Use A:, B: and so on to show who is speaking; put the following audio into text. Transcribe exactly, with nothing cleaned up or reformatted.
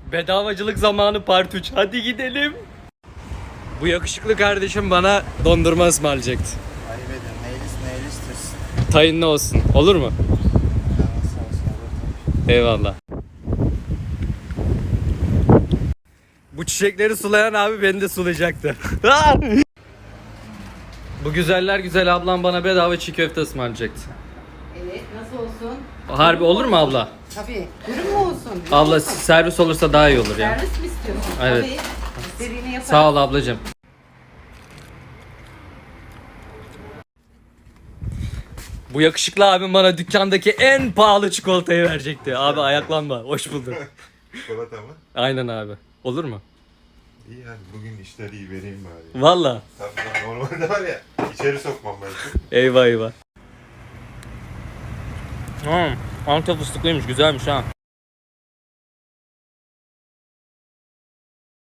A: Bedavacılık zamanı part üç. Hadi gidelim. Bu yakışıklı kardeşim bana dondurma ısmarlayacaktı.
B: Ayıp edin. Neylis neylistir.
A: Tayınlı olsun. Olur mu? Eyvallah. Bu çiçekleri sulayan abi beni de sulayacaktı. Bu güzeller güzel ablam bana bedava çiğ köfte ısmarlayacaktı.
C: Evet, nasıl olsun?
A: Harbi olur mu abla?
C: Tabii. Dürüm mü olsun? Dürüm
A: Abla
C: olsun.
A: servis olursa daha iyi olur ya.
C: Servis mi istiyorsun?
A: Evet.
C: Tabii. İstediğini yaparız.
A: Sağ ol ablacığım. Bu yakışıklı abim bana dükkandaki en pahalı çikolatayı verecekti. Abi ayaklanma. Hoş bulduk.
B: Çikolata mı?
A: Aynen abi. Olur mu?
B: İyi hadi bugün işleri iyi vereyim bari.
A: Valla.
B: Tabii normalde var ya içeri sokmam belki.
A: Eyvah eyvah. Hmm, Antep fıstıklıymış. Güzelmiş ha.